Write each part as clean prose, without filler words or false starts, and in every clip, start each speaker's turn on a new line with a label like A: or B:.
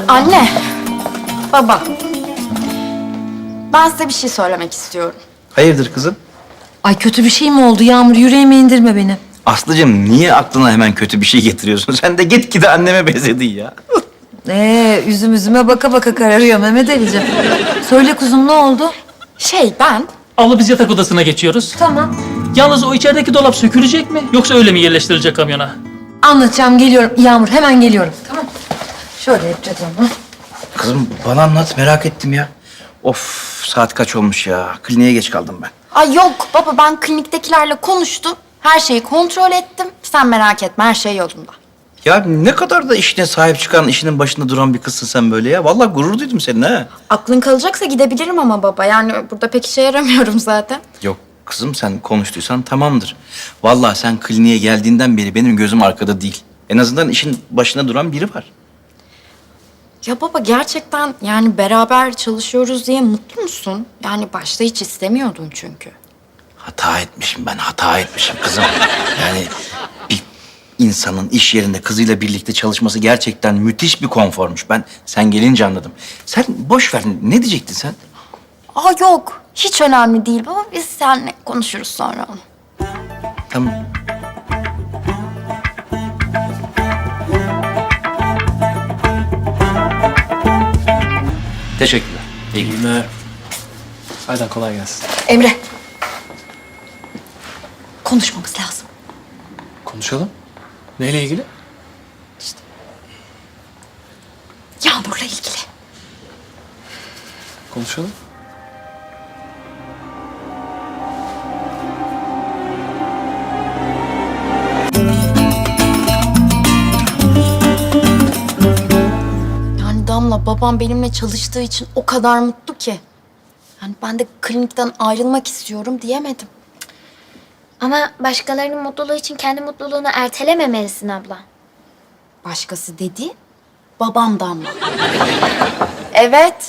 A: Anne, baba. Ben size bir şey söylemek istiyorum.
B: Hayırdır kızım?
C: Ay kötü bir şey mi oldu Yağmur? Yüreğime indirme beni.
B: Aslıcığım niye aklına hemen kötü bir şey getiriyorsun? Sen de gitgide anneme benzedin ya.
C: Üzüm üzüme baka baka kararıyor Mehmet Ali'ciğim. Söyle kuzum ne oldu?
A: Ben...
D: Abla biz yatak odasına geçiyoruz.
C: Tamam.
D: Yalnız o içerideki dolap sökülecek mi? Yoksa öyle mi yerleştirilecek kamyona?
C: Anlatacağım geliyorum. Yağmur hemen geliyorum. Tamam. Şöyle yapacağız onu.
B: Kızım bana anlat merak ettim ya. Of saat kaç olmuş ya? Kliniğe geç kaldım ben.
A: Ay yok baba, ben kliniktekilerle konuştum. Her şeyi kontrol ettim. Sen merak etme, her şey yolunda.
B: Ya ne kadar da işine sahip çıkan, işinin başında duran bir kızsın sen böyle ya. Vallahi gurur duydum seninle ha.
A: Aklın kalacaksa gidebilirim ama baba. Yani burada pek işe yaramıyorum zaten.
B: Yok kızım sen konuştuysan tamamdır. Vallahi sen kliniğe geldiğinden beri benim gözüm arkada değil. En azından işin başında duran biri var.
A: Ya baba, gerçekten yani beraber çalışıyoruz diye mutlu musun? Yani başta hiç istemiyordun çünkü.
B: Hata etmişim ben, hata etmişim kızım. Yani bir insanın iş yerinde kızıyla birlikte çalışması gerçekten müthiş bir konformuş. Ben sen gelince anladım. Sen boş ver, ne diyecektin sen?
A: Aa yok, hiç önemli değil baba. Biz seninle konuşuruz sonra onu.
B: Tamam. Teşekkürler. İyi günler.
E: Aydan kolay gelsin.
C: Emre. Konuşmamız lazım.
E: Konuşalım. Neyle ilgili?
C: Yağmur'la ilgili.
E: Konuşalım.
A: Yani Damla, babam benimle çalıştığı için o kadar mutlu ki. Yani ben de klinikten ayrılmak istiyorum diyemedim.
F: Ama başkalarının mutluluğu için kendi mutluluğunu ertelememelisin abla.
A: Başkası dedi, babam Damla. Evet.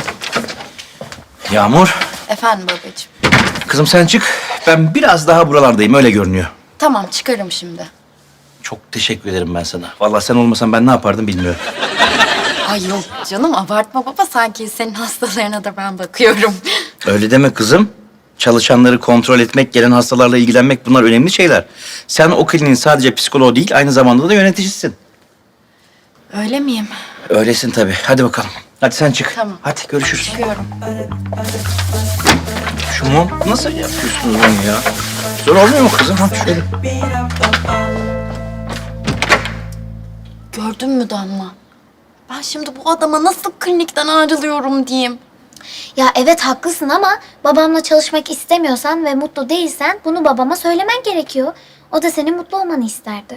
B: Yağmur,
A: Efendim babacığım.
B: kızım sen çık. Ben biraz daha buralardayım, öyle görünüyor.
A: Tamam, çıkarım şimdi.
B: Çok teşekkür ederim ben sana. Vallahi sen olmasan ben ne yapardım bilmiyorum.
A: Ay yok canım, abartma baba. Sanki senin hastalarına da ben bakıyorum.
B: Öyle deme kızım. Çalışanları kontrol etmek, gelen hastalarla ilgilenmek bunlar önemli şeyler. Sen o kliniğin sadece psikoloğu değil, aynı zamanda da yöneticisisin.
A: Öyle miyim?
B: Öylesin tabii. Hadi bakalım. Hadi sen çık.
A: Tamam.
B: Hadi görüşürüz.
A: Çıkıyorum.
B: Şu mum nasıl yapıyorsunuz onu ya? Zor olmuyor mu kızım? Ha şöyle.
A: Gördün mü Damla? Ben şimdi bu adama nasıl klinikten ayrılıyorum diyeyim.
F: Ya evet haklısın ama babamla çalışmak istemiyorsan ve mutlu değilsen bunu babama söylemen gerekiyor. O da senin mutlu olmanı isterdi.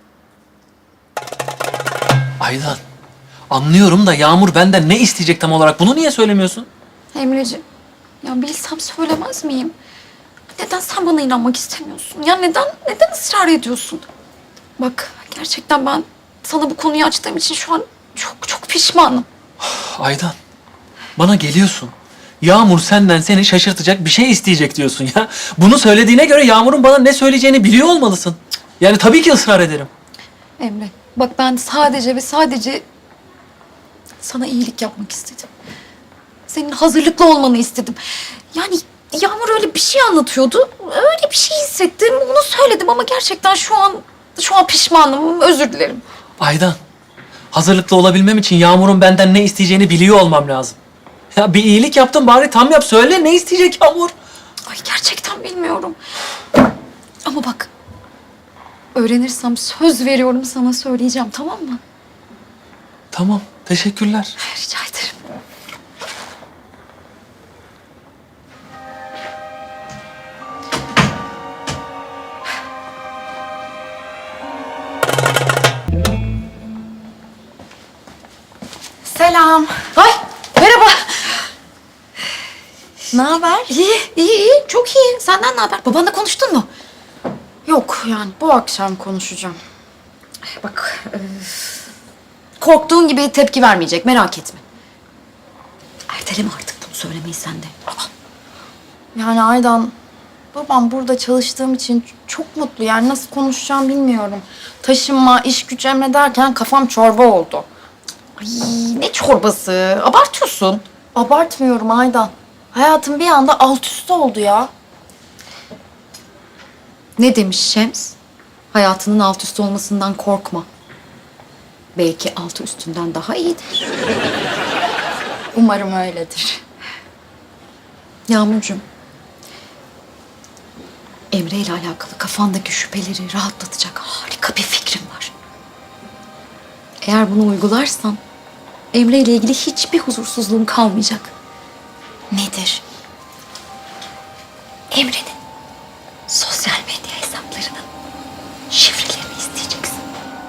E: Aydan. Anlıyorum da Yağmur benden ne isteyecek tam olarak? Bunu niye söylemiyorsun?
G: Emreciğim, ya bilsem söylemez miyim? Neden sen bana inanmak istemiyorsun? Ya neden ısrar ediyorsun? Bak, gerçekten ben sana bu konuyu açtığım için şu an çok pişmanım.
E: Aydan. Bana geliyorsun. Yağmur senden seni şaşırtacak bir şey isteyecek diyorsun ya. Bunu söylediğine göre Yağmur'un bana ne söyleyeceğini biliyor olmalısın. Yani tabii ki ısrar ederim.
G: Emre, bak ben sadece ve sadece sana iyilik yapmak istedim. Senin hazırlıklı olmanı istedim. Yani Yağmur öyle bir şey anlatıyordu. Öyle bir şey hissettim. Onu söyledim ama gerçekten şu an pişmanım. Özür dilerim.
E: Aydan. Hazırlıklı olabilmem için Yağmur'un benden ne isteyeceğini biliyor olmam lazım. Ya bir iyilik yaptım bari tam yap söyle ne isteyecek Yağmur?
G: Ay gerçekten bilmiyorum. Ama bak, öğrenirsem söz veriyorum sana söyleyeceğim, tamam mı?
E: Tamam teşekkürler.
G: Rica ederim.
A: Selam.
G: Ay merhaba.
A: Ne haber?
G: İyi, çok iyi. Senden ne haber? Babanla konuştun mu?
A: Yok yani, bu akşam konuşacağım.
G: Bak, korktuğun gibi tepki vermeyecek, merak etme. Erteleme artık bunu söylemeyi sen de.
A: Yani Aydan, babam burada çalıştığım için çok mutlu. Yani nasıl konuşacağım bilmiyorum. Taşınma, iş güç emrederken kafam çorba oldu.
G: Ay ne çorbası? Abartıyorsun.
A: Abartmıyorum Aydan. Hayatım bir anda alt üst oldu ya.
G: Ne demiş Şems? Hayatının alt üst olmasından korkma. Belki altı üstünden daha iyidir.
A: Umarım öyledir.
G: Yağmurcuğum. Emre ile alakalı kafandaki şüpheleri rahatlatacak harika bir fikrim var. Eğer bunu uygularsan Emre ile ilgili hiçbir huzursuzluğun kalmayacak.
A: Nedir?
G: Emre'nin sosyal medya hesaplarının şifrelerini isteyeceksin.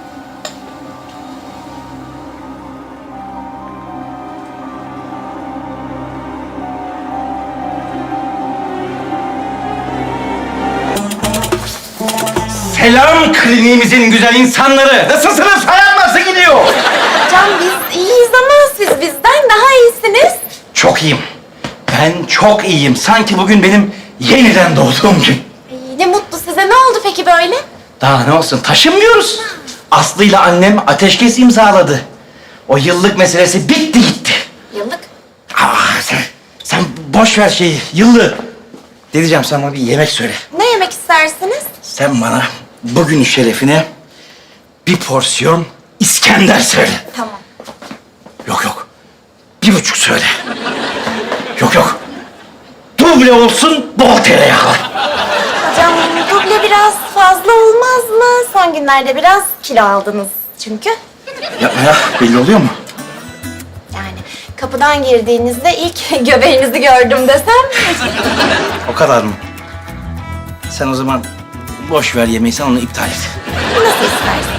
B: Selam kliniğimizin güzel insanları. Nasılsınız? Hayat nasıl gidiyor?
A: Can biz iyiyiz ama siz bizden daha iyisiniz.
B: Çok iyiyim. Ben çok iyiyim. Sanki bugün benim yeniden doğduğum gün.
A: Ne mutlu size. Ne oldu peki böyle?
B: Daha ne olsun, taşınmıyoruz. Aslı ile annem ateşkes imzaladı. O yıllık meselesi bitti gitti.
A: Yıllık.
B: Sen boş ver şeyi, yıllığı. Ne diyeceğim, sen bana bir yemek söyle.
A: Ne yemek istersiniz?
B: Sen bana bugünün şerefine bir porsiyon İskender söyle.
A: Tamam.
B: Yok. 1,5 söyle. Yok. Duble olsun, bol tereyağlı.
A: Hocam duble biraz fazla olmaz mı? Son günlerde biraz kilo aldınız çünkü.
B: Yapma ya, belli oluyor mu?
A: Yani kapıdan girdiğinizde ilk göbeğinizi gördüm desem.
B: O kadar mı? Sen o zaman boş ver yemeği, sen onu iptal et.
A: Nasıl istersen.